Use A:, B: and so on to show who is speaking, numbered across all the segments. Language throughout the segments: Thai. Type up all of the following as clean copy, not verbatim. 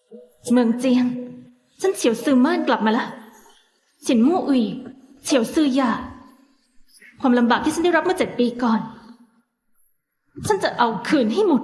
A: เมืองเจียงฉันเฉียวซือม่านกลับมาแล้วฉินมู่อุยเฉียวซือหย่าความลำบากที่ฉันได้รับเมื่อ7 ปีก่อนฉันจะเอาคืนให้หมด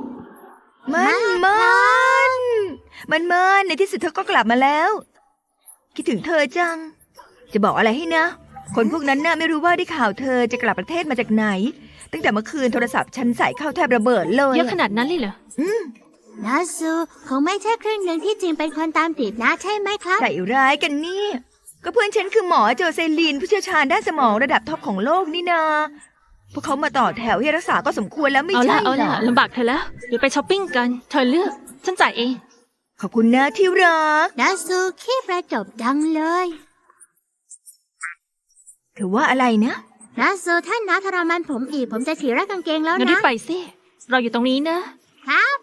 B: มันในที่สุดเธอก็กลับมาแล้วคิดถึงเธอจังจะบอกอะไรให้นะคนพวกนั้นน่ะไม่รู้ว่าได้ข่าวเธอจะกลับประเทศมาจากไหนตั้งแต่เมื่อคืนโทรศัพท์ฉันใส่เข้าแทบระเบิดเลย
A: เยอะขนาดนั้นเลยเหรอ
C: นาซูคงไม่ใช่ครึ่งหนึ่งที่จริงเป็นคนตามติดนะใช่ไหมครับ
B: ใส่ร้ายกันนี่ก็เพื่อนฉันคือหมอโจเซลีนผู้เชี่ยวชาญด้านสมองระดับท็อปของโลกนี่นาพวกเขามาต่อแถวให้รักษาก็สมควรแล้วไม่ใช่
A: เหรอลำบากเธอแล้วเดี๋ยวไปช้อปปิ้งกันเธอเลือกฉันจ่ายเอง
B: ขอบคุณนะที่รัก
C: นาซูขี้ประจบดังเลย
B: ถือว่าอะไรนะ
C: นาซูท่านน้าทรมานผมอีกผมจะถีรักกางเกงแล้วนะ
A: งั้นรีบไปสิเราอยู่ตรงนี้นะครับ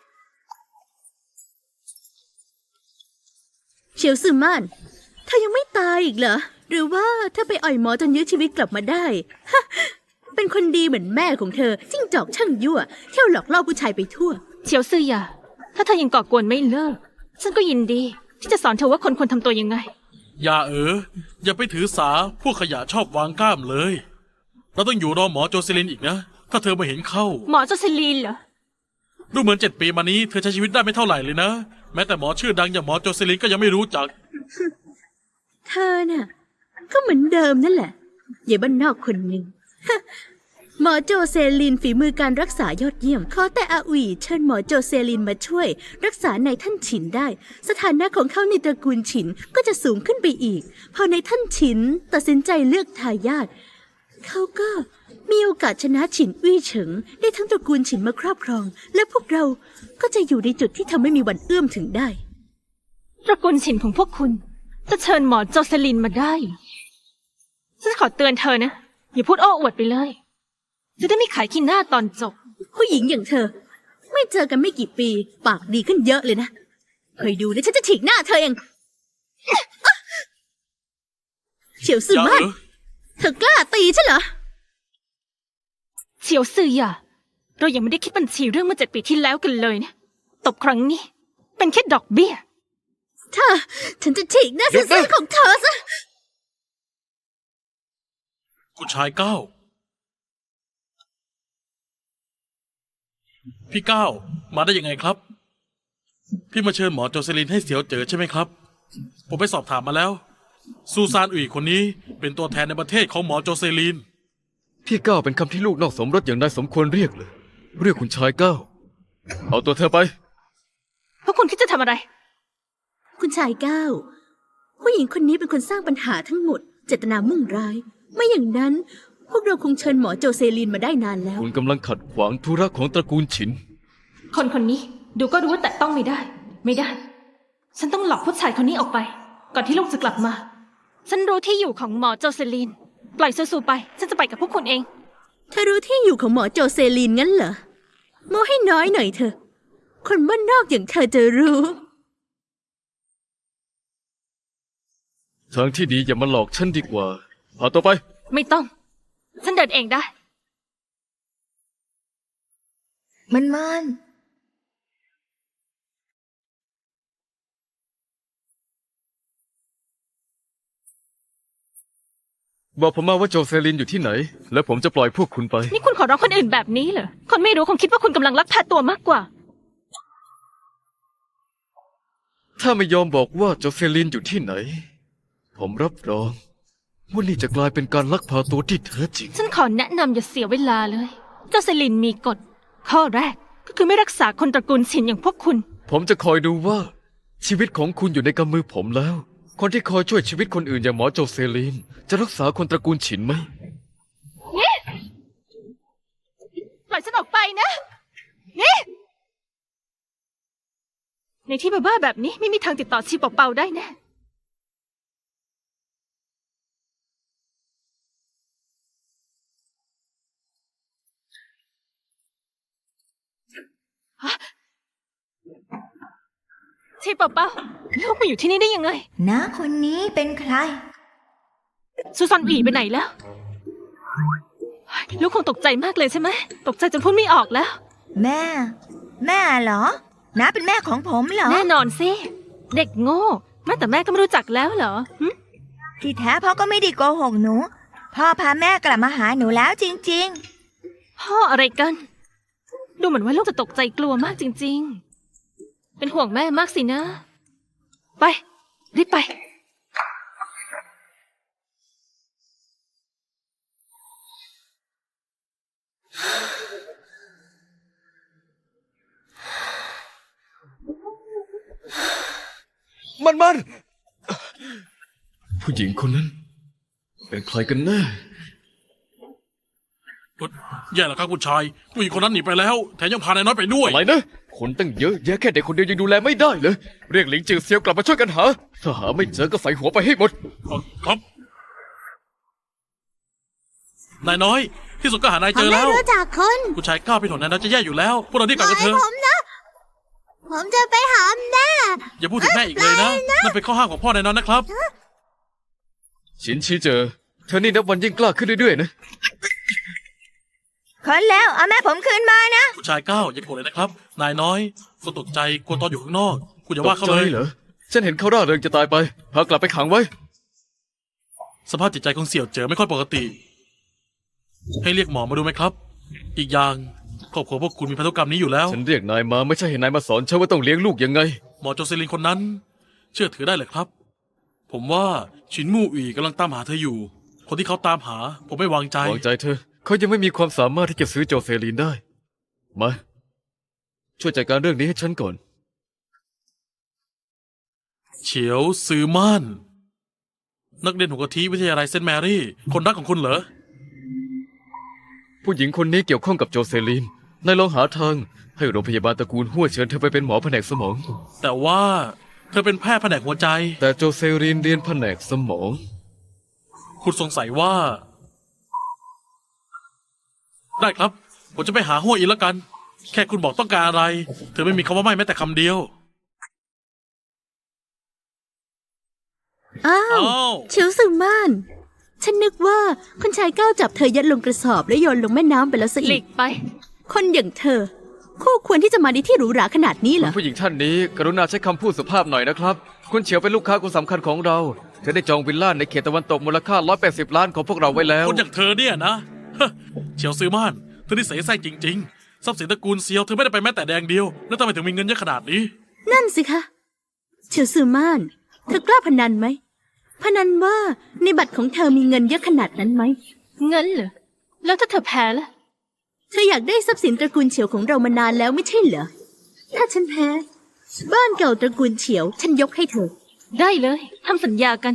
D: เฉียวซือม่านเธอยังไม่ตายอีกเหรอหรือว่าเธอไปอ่อยหมอจนยื้อชีวิตกลับมาได้ฮะเป็นคนดีเหมือนแม่ของเธอจิ้งจอกช่างยั่วเที่ยวหลอกล่อผู้ชายไปทั่ว
A: เฉียวซือหย่าถ้าเธอยังก่อกวนไม่เลิกฉันก็ยินดีที่จะสอนเธอว่าคนควรทำตัวยังไง
E: อย่าอย่าไปถือสาพวกขยะชอบวางกล้ามเลยเราต้องอยู่รอหมอโจเซลินอีกนะถ้าเธอมาเห็นเข้า
A: หมอโจเซลินเหรอ
E: ดูเหมือน7 ปีมานี้เธอใช้ชีวิตได้ไม่เท่าไหร่เลยนะแม้แต่หมอชื่อดังอย่างหมอโจเซลินก็ยังไม่รู้จัก
D: เธอน่ะก็เหมือนเดิมนั่นแหละอย่าบ้านนอกคนหนึ่งหมอโจเซลินฝีมือการรักษายอดเยี่ยมขอแต่อาอุ๋ยเชิญหมอโจเซลินมาช่วยรักษาในท่านฉินได้สถานะของเขาในตระกูลฉินก็จะสูงขึ้นไปอีกพอในท่านฉินตัดสินใจเลือกทายาทเขาก็มีโอกาสชนะฉินอี้เฉิงได้ทั้งตระกูลฉินมาครอบครองและพวกเราก็จะอยู่ในจุดที่ทำให้มีวันเอื้อมถึงได้
A: ตระกูลฉินของพวกคุณจะเชิญหมอโจเซลินมาได้ฉันขอเตือนเธอนะอย่าพูดโอ้อวดไปเลยจะได้ไม่ขายขี้หน้าตอนจบ
D: ผู้หญิงอย่างเธอไม่เจอกันไม่กี่ปีปากดีขึ้นเยอะเลยนะเคยดูนะฉันจะฉีกหน้าเธอเองเฉียวซือม่านเธอกล้าตีฉันเหรอ
A: เฉียวซือหย่าเรายังไม่ได้คิดบัญชีเรื่องเมื่อ7 ปีที่แล้วกันเลยนะตบครั้งนี้เป็นแค่ดอกเบี้ย
D: ฉันจะฉีกหน้าซื่อๆของเธอซะ
E: คุณชายก้าวพี่ก้าวมาได้ยังไงครับพี่มาเชิญหมอโจเซลินให้เสียวเจอใช่ไหมครับผมไปสอบถามมาแล้วซูซานอุ๋ยคนนี้เป็นตัวแทนในประเทศของหมอโจเซลิน
F: พี่ก้าวเป็นคำที่ลูกนอกสมรสอย่างนายสมควรเรียกเลยเรียกคุณชายก้าวเอาตัวเธอไป
A: พวกคุณคิดจะทำอะไร
D: คุณชายก้าวผู้หญิงคนนี้เป็นคนสร้างปัญหาทั้งหมดเจตนามุ่งร้ายไม่อย่างนั้นพวกเราคงเชิญหมอโจเซลินมาได้นานแล้ว
F: คุณกำลังขัดขวางธุระของตระกูลฉิน
A: คนนี้ดูก็รู้ว่าแต่ต้องไม่ได้ฉันต้องหลอกผู้ชายคนนี้ออกไปก่อนที่ลูกจะกลับมาฉันรู้ที่อยู่ของหมอโจเซลินปล่อยซูไปฉันจะไปกับพวกคุณเอง
D: เธอรู้ที่อยู่ของหมอโจเซลินงั้นเหรอโม้ให้น้อยหน่อยเถอะคนบ้านนอกอย่างเธอจะรู้
F: ทางที่ดีอย่ามาหลอกฉันดีกว่าพาตัวไป
A: ไม่ต้องฉันเดินเองได้
B: มัน
F: บอกผมมาว่าโจเซลินอยู่ที่ไหนแล้วผมจะปล่อยพวกคุณไป
A: นี่คุณขอร้องคนอื่นแบบนี้เหรอคนไม่รู้คงคิดว่าคุณกำลังลักพาตัวมากกว่า
F: ถ้าไม่ยอมบอกว่าโจเซลินอยู่ที่ไหนผมรับรองว่านี่จะกลายเป็นการลักพาตัวที่แท้จริง
A: ฉันขอแนะนำอย่าเสียเวลาเลยโจเซลินมีกฎข้อแรกก็คือไม่รักษาคนตระกูลฉินอย่างพวกคุณ
F: ผมจะคอยดูว่าชีวิตของคุณอยู่ในกำมือผมแล้วคนที่คอยช่วยชีวิตคนอื่นอย่างหมอโจเซลินจะรักษาคนตระกูลฉินไหม
A: ปล่อยฉันออกไปนะนี่ในที่บ้าๆแบบนี้ไม่มีทางติดต่อชีเป่าๆได้แน่ชีเป่าๆลูกมาอยู่ที่นี่ได้ยังไง
B: น้าคนนี้เป็นใคร
A: ซูซอนอีไปไหนแล้วลูกคงตกใจมากเลยใช่ไหมตกใจจนพูดไม่ออกแล้ว
B: แม่เหรอน้าเป็นแม่ของผมเหรอ
A: แน่นอนสิเด็กโง่แม่แต่แม่ก็ไม่รู้จักแล้วเหรอหึ
B: ที่แท้พ่อก็ไม่ได้โกหกหนู พ่อพาแม่กลับมาหาหนูแล้วจริง
A: พ่ออะไรกัน ดูเหมือนว่าลูกจะตกใจกลัวมากจริง ๆ เป็นห่วงแม่มากสินะ ไป รีบไป
F: มันผู้หญิงคนนั้น เป็นใครกันแน่
E: แย่แล้วครับคุณชายผู้หญิงคนนั้นหนีไปแล้ว แถมยังพานายน้อยไปด้วย
F: อะไรนะ คนตั้งเยอะแยะแค่เด็กคนเดียวยังดูแลไม่ได้เลย เรียกหลิงจือเซียวกลับมาช่วยกันหา ถ้าหาไม่เจอก็ใส่หัวไปให้หมด
E: ครับ นายน้อย ที่สุดก็หานาย
C: ผ
E: เจ
C: ม
E: อ
C: ไม่
E: แล้ว
C: รู้จักคุณ
E: คุณชายก้าวไปถนนนายน้อยจะแย่อยู่แล้ว พวกเราที่กลับกันเถ
C: ให้
E: อะ
C: ผมนะ ผมจะไปหาแม่
E: อย่าพูดถึงแม่อีกเลยนะ นั่นเป็นข้อห้ามของพ่อนายน้อยนะครับ
F: ชินชีเจอ เธอนี่นับวันยิ่งกล้าขึ้นเรื่อยๆนะ
B: ๆ คนแล้วเอาแม่ผมคืนมานะ
E: คุณชายก้าวอย่าโกรธเลยนะครับ นายน้อยคนตกใจกลัวตอนอยู่ข้างนอก คุณอย่า
F: ต
E: ว่าก เขา
F: ใจ
E: เลย
F: เหรอ ฉันเห็นเขาร่าเริงจะตายไป พากลับไปขังไว้
E: สภาพจิตใจของเสี่ยวเจ๋อไม่ค่อยปกติ ให้เรียกหมอมาดูไหมครับ อีกอย่างครอบครัวพวกคุณมีพันธุกรรมนี้อยู่แล้ว
F: ฉันเรียกนายมาไม่ใช่ให้นายมาสอนฉันว่าต้องเลี้ยงลูกยังไง
E: หมอโจเซลินคนนั้น เชื่อถือได้เลยครับ ผมว่าชินมู่อีกำลังตามหาเธออยู่ คนที่เขาตามหา ผมไม่วางใจ
F: วางใจเธอ เขายังไม่มีความสามารถที่จะซื้อโจเซลีนได้ มา ช่วยจัดการเรื่องนี้ให้ฉันก่อน
E: เฉียวซือม่าน นักเรียนหัวกะทิวิทยาลัยเซนต์แมรี่ คนรักของคุณเหรอ
F: ผู้หญิงคนนี้เกี่ยวข้องกับโจเซลีน นายลองหาทาง ให้โรงพยาบาลตระกูลหัวเชิญเธอไปเป็นหมอแผนกสมอง
E: แต่ว่าเธอเป็นแพทย์แผนกหัวใจ
F: แต่โจเซลีนเรียนแผนกสมอง
E: คุณสงสัยว่า ได้ครับ ผมจะไปหาหัวอีกแล้วกัน แค่คุณบอกต้องการอะไร เธอไม่มีคำว่าไม่แม้แต่คำเดียว
D: อ้าว
E: อ้าว
D: เฉียวซึม่าน ฉันนึกว่าคุณชายก้าวจับเธอยัดลงกระสอบแล้วโยนลงแม่น้ำไปแล้วซะ
A: หลี
D: อีก
A: กไป
D: คนอย่างเธอ คู่ควรที่จะมาในที่หรูหราขนาดนี้เหรอ
F: ผู้หญิงท่านนี้ กรุณาใช้คำพูดสุภาพหน่อยนะครับ คุณเฉียวเป็นลูกค้าคนสำคัญของเรา เธอได้จองวิลล่าในเขตตะวันตกมูลค่า180 ล้านของพวกเราไว้แล้ว
E: คนอย่างเธอเนี่ยนะ เฉียวซือม่านเธอนี่เสแสร้งจริงๆ ทรัพย์สินตระกูลเซียวเธอไม่ได้ไปแม้แต่แดงเดียว แล้วทำไมถึงมีเงินเยอะขนาดนี้
D: นั่นสิคะ เฉียวซึม่าน เธอกล้าพนันไหม พนันว่าในบัตรของเธอมีเงินเยอะขนาดนั้นไหม
A: เงินเหรอ แล้วถ้าเธอแพ้ล่ะ
D: เธออยากได้ทรัพย์สินตระกูลเฉียวของเรามานานแล้วไม่ใช่เหรอ ถ้าฉันแพ้ บ้านเก่าตระกูลเฉียว ฉันยกให้เธอ
A: ได้เลยทำสัญญากัน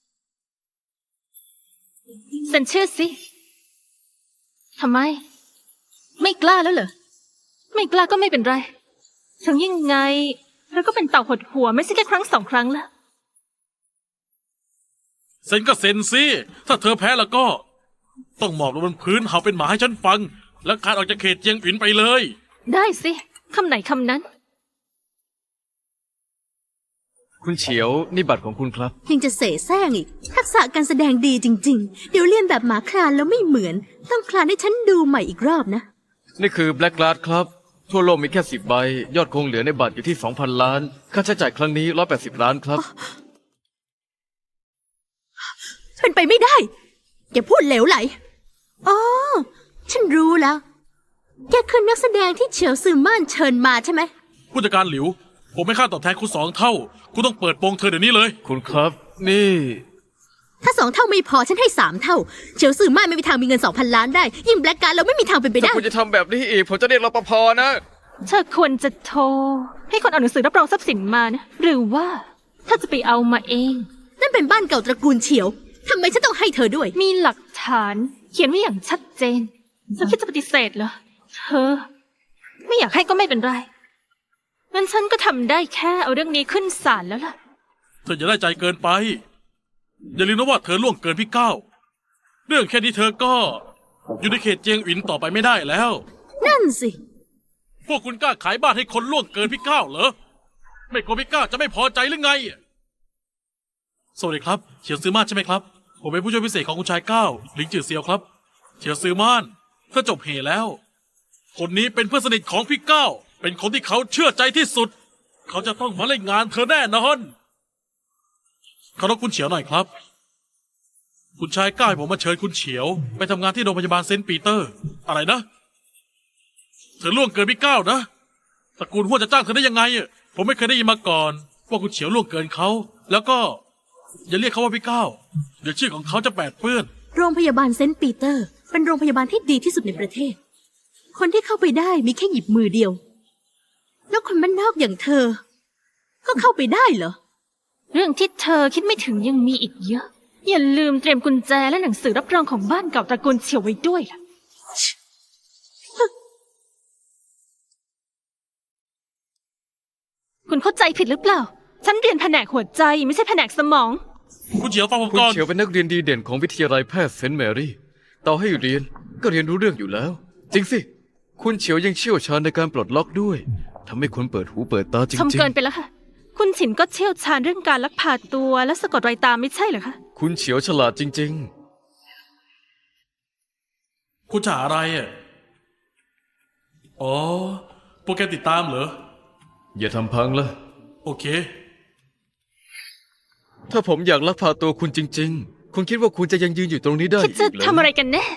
A: เซ็นชื่อสิทำไม ไม่กล้าแล้วเหรอ ไม่กล้าก็ไม่เป็นไร ถึงยังไงเธอก็เป็นเต่าหดหัวไม่ใช่แค่ครั้งสองครั้งละ
E: เซ็นก็เซ็นสิ ถ้าเธอแพ้แล้วก็ ต้องหมอบลงบนพื้นเห่าเป็นหมาให้ฉันฟัง แล้วขาดออกจากเขตเจียงอินไปเลย
A: ได้สิคำไหนคำนั้น
F: คุณเฉียวนี่บัตรของคุณครับ
D: ยังจะเสแสร้งอีก ทักษะการแสดงดีจริง ๆ เดี๋ยวเรียนแบบหมาคลานแล้วไม่เหมือน ต้องคลานให้ฉันดูใหม่อีกรอบนะ
F: นี่คือแบล็กก a า d ครับ ทั่วโลกมีแค่10 ใบ ยอดคงเหลือในบัตรอยู่ที่ 2,000 ล้าน ค่าใช้จ่ายครั้งนี้180 ล้านครับ
D: เป็นไปไม่ได้ อย่าพูดเหลวไหล อ๋อ ฉันรู้แล้ว แกคือนักแสดงที่เฉียวซือม่านเชิญมาใช่ไหม
E: ผู้จัดการหลิว ผมไม่ค่าตอบแทนคุณ2 เท่า คุณต้องเปิดโปงเธอเดี๋ยวนี้เลย
F: คุณครับ นี่
D: ถ้า2 เท่าไม่พอฉันให้3 เท่า เฉียวซือม่านไม่มีทางมีเงิน 2,000 ล้านได้ ยิ่งแบล็กการ์ดเราไม่มีทางเป็นไป
F: ถ้า
D: ได้
F: คุณจะทำแบบนี้อีก ผมจะเรียกรปภนะ
A: เธอควรจะโทร ให้คนเอาหนังสือรับรองทรัพย์สินมานะ หรือว่าถ้าจะไปเอามาเอง
D: นั่นเป็นบ้านเก่าตระกูลเฉียว ทำไมฉันต้องให้เธอด้วย
A: มีหลักฐาน เขียนไว้อย่างชัดเจนเธอคิดจะปฏิเสธเหรอ เธอ ไม่อยากให้ก็ไม่เป็นไรงั้นฉันก็ทำได้แค่เอาเรื่องนี้ขึ้นศาลแล้วล่ะ
E: เธออย่าได้ใจเกินไป อย่าลืมนะว่าเธอล่วงเกินพี่ก้าวเรื่องแค่นี้เธอก็ อยู่ในเขตเจียงอินต่อไปไม่ได้แล้ว
D: นั่นสิ
E: พวกคุณกล้าขายบ้านให้คนล่วงเกินพี่ก้าวเหรอ ไม่กลัวพี่ก้าวจะไม่พอใจหรือไง สวัสดีครับ เฉียวซือม่านใช่ไหมครับ ผมเป็นผู้ช่วยพิเศษของคุณชายก้าวหลิงจือเซียวครับ เฉียวซือม่านเธอจบเหแล้ว คนนี้เป็นเพื่อนสนิทของพี่ก้าวเป็นคนที่เขาเชื่อใจที่สุดเขาจะต้องมาเล่นงานเธอแน่นอนเคารพคุณเฉียวหน่อยครับ คุณชายก้าวให้ผมมาเชิญคุณเฉียว ไปทำงานที่โรงพยาบาลเซนต์ปีเตอร์ อะไรนะ เธอล่วงเกินพี่ก้าวนะตระกูลหัวจะจ้างเธอได้ยังไงอะผมไม่เคยได้ยินมาก่อน ว่าคุณเฉียวล่วงเกินเขา แล้วก็ อย่าเรียกเขาว่าพี่ก้าวเดี๋ยวชื่อของเขาจะแปดเปื้อน
D: โรงพยาบาลเซนต์ปีเตอร์ เป็นโรงพยาบาลที่ดีที่สุดในประเทศ คนที่เข้าไปได้มีแค่หยิบมือเดียว แล้วคนบ้านนอกอย่างเธอ ก็เข้าไปได้เหรอ
A: เรื่องที่เธอคิดไม่ถึงยังมีอีกเยอะ อย่าลืมเตรียมกุญแจและหนังสือรับรองของบ้านเก่าตระกูลเฉียวไว้ด้วยล่ะ คุณเข้าใจผิดหรือเปล่า ฉันเรียนแผนกหัวใจไม่ใช่แผนกสมอง
E: คุณเฉียวฟังผม
F: คุณ
E: ก่อน
F: เฉียวเป็นนักเรียนดีเด่นของวิทยาลัยแพทย์เซนต์แมรี่ ต่อให้เรียนก็เรียนรู้เรื่องอยู่แล้ว จริงสิ คุณเฉียวยังเชี่ยวชาญในการปลดล็อกด้วยทำให้คนเปิดหูเปิดตาจริ
A: ชม
F: ง
A: เกินไปแล้วค่ะ คุณฉินก็เชี่ยวชาญเรื่องการลักพาตัวและสะกดรอยตามไม่ใช่เหรอคะ
F: ๆ คุณเฉียวฉลาดจริง
E: คุณจะหาอะไรอ่ะ อ๋อ โปรแกรมติดตามเหรอ
F: ๆ อย่าทำพังละ
E: โอเค
F: ถ้าผมอยากลักพาตัวคุณจริง ๆ คุณคิดว่าคุณจะยังยืนอยู่ตรงนี้ได้
A: คิดจะ
F: อีกเหรอ
A: ทำอะไรกันแน่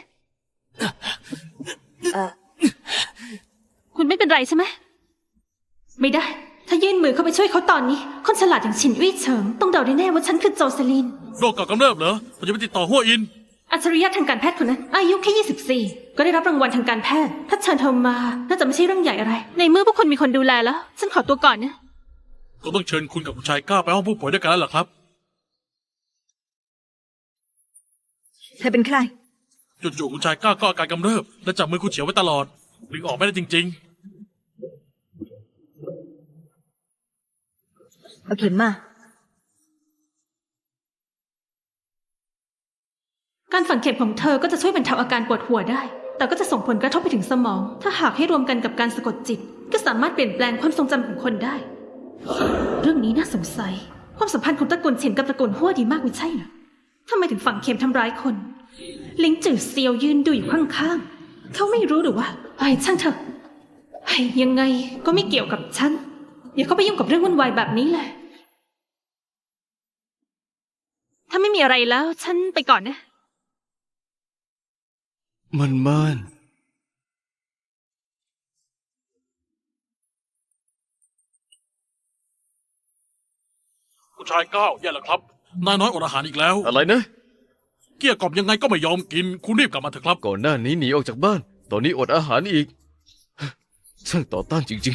A: คุณไม่เป็นไรใช่ไหม ไม่ได้ ถ้ายื่นมือเข้าไปช่วยเขาตอนนี้ คนฉลาดอย่างฉินอี้เฉิงต้องเดาได้แน่ว่าฉันคือโจเซลิน
E: โรคก่อกำเริบเหรอ ผมจะไปติดต่อหัวอิน
A: อัจฉริยะทางการแพทย์คนนั้น อายุแค่ 24 ก็ได้รับรางวัลทางการแพทย์ ถ้าเชิญเธอมา น่าจะไม่ใช่เรื่องใหญ่อะไร ในเมื่อพวกคุณมีคนดูแลแล้ว ฉันขอตัวก่อนนะ
E: ก็ต้องเชิญคุณกับคุณชายก้าวไปห้องผู้ป่วยด้วยกันแล้วเหรอครับ
B: เธอเป็นใคร
E: จู่ๆคุณชายก้าวก็อาการกำเริบ และจับมือคุณเฉียวไว้ตลอดดึงออกไม่ได้จริง
B: เอาเข็มมา
A: การฝังเข็มของเธอก็จะช่วยบรรเทาอาการปวดหัวได้ แต่ก็จะส่งผลกระทบไปถึงสมอง ถ้าหากให้รวมกันกับการสะกดจิต ก็สามารถเปลี่ยนแปลงความทรงจำของคนได้ เรื่องนี้น่าสงสัย ความสัมพันธ์ของตระกูลเฉินกับตระกูลฮั่วดีมากไม่ใช่เหรอทำไมถึงฝังเข็มทำร้ายคน ลิงจือเซียวยืนดูอยู่ข้างๆ เขาไม่รู้หรือว่าไอ้ช่างเถอะไอ้ยังไงก็ไม่เกี่ยวกับฉัน อย่าเข้าไปยุ่งกับเรื่องวุ่นวายแบบนี้เลย ถ้าไม่มีอะไรแล้ว ฉันไปก่อนนะ
F: มันม่าน
E: ๆ คุณชายก้าวแย่แล้วครับ นายน้อยอดอาหารอีกแล้ว
F: อะไรนะ
E: เกลี้ยกล่อมยังไงก็ไม่ยอมกิน คุณรีบกลับมาเถอะครับ
F: ก่อนหน้านี้หนีออกจากบ้าน ตอนนี้อดอาหารอีก ช่างต่อต้านจริง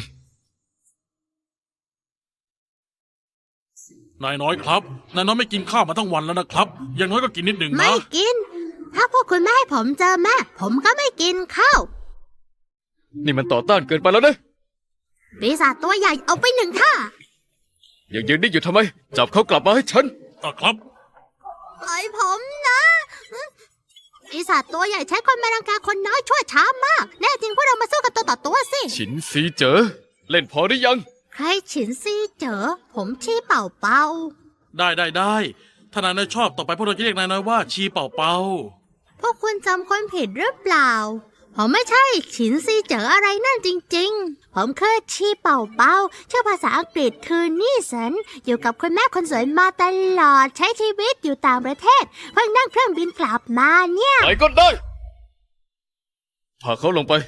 E: นายน้อยครับ นายน้อยไม่กินข้าวมาทั้งวันแล้วนะครับ อย่างน้อยก็กินนิดหนึ่ง
C: ไม่
E: นะ
C: กิน ถ้าพวกคุณไม่ให้ผมเจอแม่ ผมก็ไม่กินข้าว
F: ๆ นี่มันต่อต้านเกินไปแล้วนะ
C: ปีศาจตัวใหญ่เอาไปหนึ่งท่า
F: ยังยืนนิ่งอยู่ทำไม จับเขากลับมาให้ฉัน
E: ครับ
C: ปล่อยผมนะปีศาจตัวใหญ่ใช้คนมารังแกคนน้อยชั่วช้ามาก แน่จริงพวกเรามาสู้กันตัวต่อตัวสิ
F: ฉินซีเจอ เล่นพอหรือยัง
C: ใครฉินซีเจอ ผมชี้เป่าเป่า
E: ได้ถ้านายน้อยชอบต่อไปพวกเราจะเรียกนายน้อยว่าชีเป่าเป่า
C: พวกคุณจำคนผิดหรือเปล่า ผมไม่ใช่ฉินซีเจออะไรนั่นจริงๆ ผมคือชีเป่าเป่าชื่อภาษาอังกฤษคือนี่สันอยู่กับคุณแม่คนสวยมาตลอดใช้ชีวิตอยู่ต่างประเทศ เพิ่งนั่งเครื่องบินกลับมาเนี่ย
F: ไหนก็ได้ พาเขาลงไป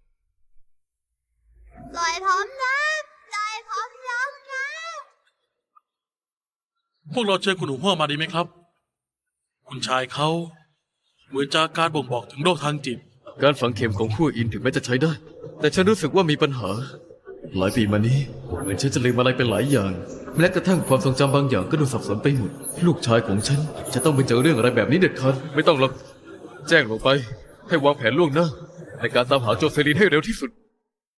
C: ปล่อยผมนะปล่อยผมลงนะ
E: พวกเราเชิญคุณหนูพ่อมาดีไหมครับ คุณชายเขาเหมือนจากการบ่งบอกถึงโรคทางจิต
F: การฝังเข็มของขั้วอินถึงแม้จะใช้ได้ แต่ฉันรู้สึกว่ามีปัญหา หลายปีมานี้เหมือนฉันจะลืมอะไรไปหลายอย่าง แม้กระทั่งความทรงจำบางอย่างก็ดูสับสนไปหมด ลูกชายของฉันจะต้องไปเจอเรื่องอะไรแบบนี้เด็ดขาดไม่ต้องหรอก แจ้งลงไป ให้วางแผนล่วงหน้าในการตามหาโจเซลินให้เร็วที่สุด